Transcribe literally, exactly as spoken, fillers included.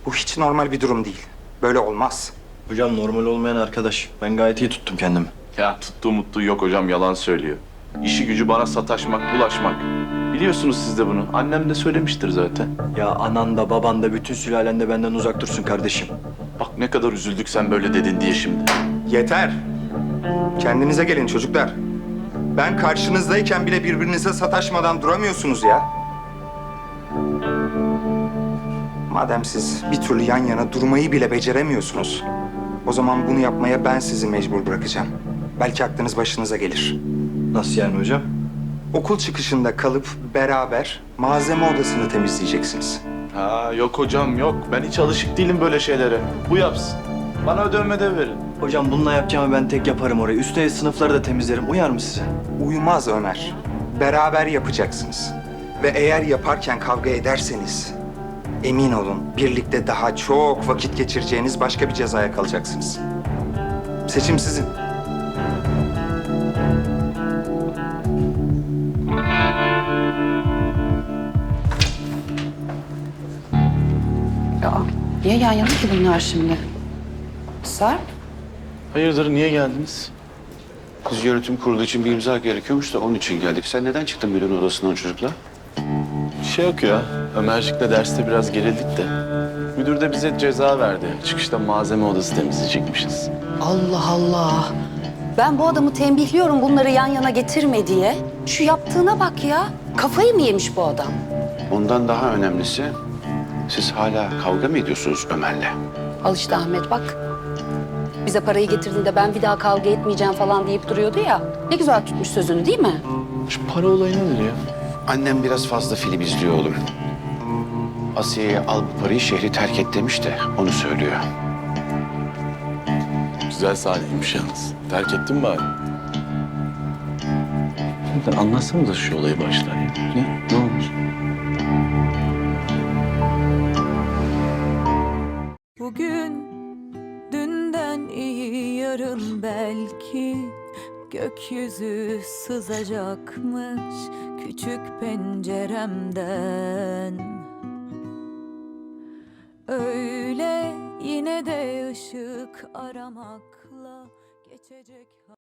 Bu hiç normal bir durum değil. Böyle olmaz. Hocam normal olmayan arkadaş. Ben gayet iyi tuttum kendimi. Ya tuttuğu mutluğu yok hocam, yalan söylüyor. İşi gücü bana sataşmak, bulaşmak. Biliyorsunuz siz de bunu. Annem de söylemiştir zaten. Ya anan da baban da bütün sülalen de benden uzak dursun kardeşim. Bak ne kadar üzüldük sen böyle dedin diye şimdi. Yeter. Kendinize gelin çocuklar. Ben karşınızdayken bile birbirinize sataşmadan duramıyorsunuz ya. Madem siz bir türlü yan yana durmayı bile beceremiyorsunuz, o zaman bunu yapmaya ben sizi mecbur bırakacağım. Belki aklınız başınıza gelir. Nasıl yani hocam? Okul çıkışında kalıp beraber malzeme odasını temizleyeceksiniz. Ha yok hocam yok. Ben hiç alışık değilim böyle şeylere. Bu yapsın. Bana ödev de verin. Hocam bununla yapacağımı ben tek yaparım orayı. Üstelik sınıfları da temizlerim. Uyar mı size? Uymaz Ömer. Beraber yapacaksınız. Ve eğer yaparken kavga ederseniz, emin olun birlikte daha çok vakit geçireceğiniz başka bir cezaya kalacaksınız. Seçim sizin. Ya niye yan yana ki bunlar şimdi? Sarp? Hayırdır, niye geldiniz? Kız yönetim kurulu için bir imza gerekiyormuş da onun için geldik. Sen neden çıktın müdürün odasından çocukla? Bir şey yok ya. Ömercik'le derste biraz gerildik de. Müdür de bize ceza verdi. Çıkışta malzeme odası temizleyecekmişiz. Allah Allah. Ben bu adamı tembihliyorum bunları yan yana getirme diye. Şu yaptığına bak ya. Kafayı mı yemiş bu adam? Ondan daha önemlisi, siz hala kavga mı ediyorsunuz Ömer'le? Al işte Ahmet bak. Bize parayı getirdiğinde ben bir daha kavga etmeyeceğim falan deyip duruyordu ya. Ne güzel tutmuş sözünü değil mi? Şu para olayı nedir ya? Annem biraz fazla film izliyor oğlum. Asiye'ye al bu parayı şehri terk et demiş de onu söylüyor. Güzel sahneymiş yalnız. Terk ettin mi bari? Şimdi anlatsanıza şu olayı baştan ya. Ne? Ne olmuş? Bugün dünden iyi yarın belki gökyüzü sızacakmış küçük penceremden. Öyle yine de ışık aramakla geçecek.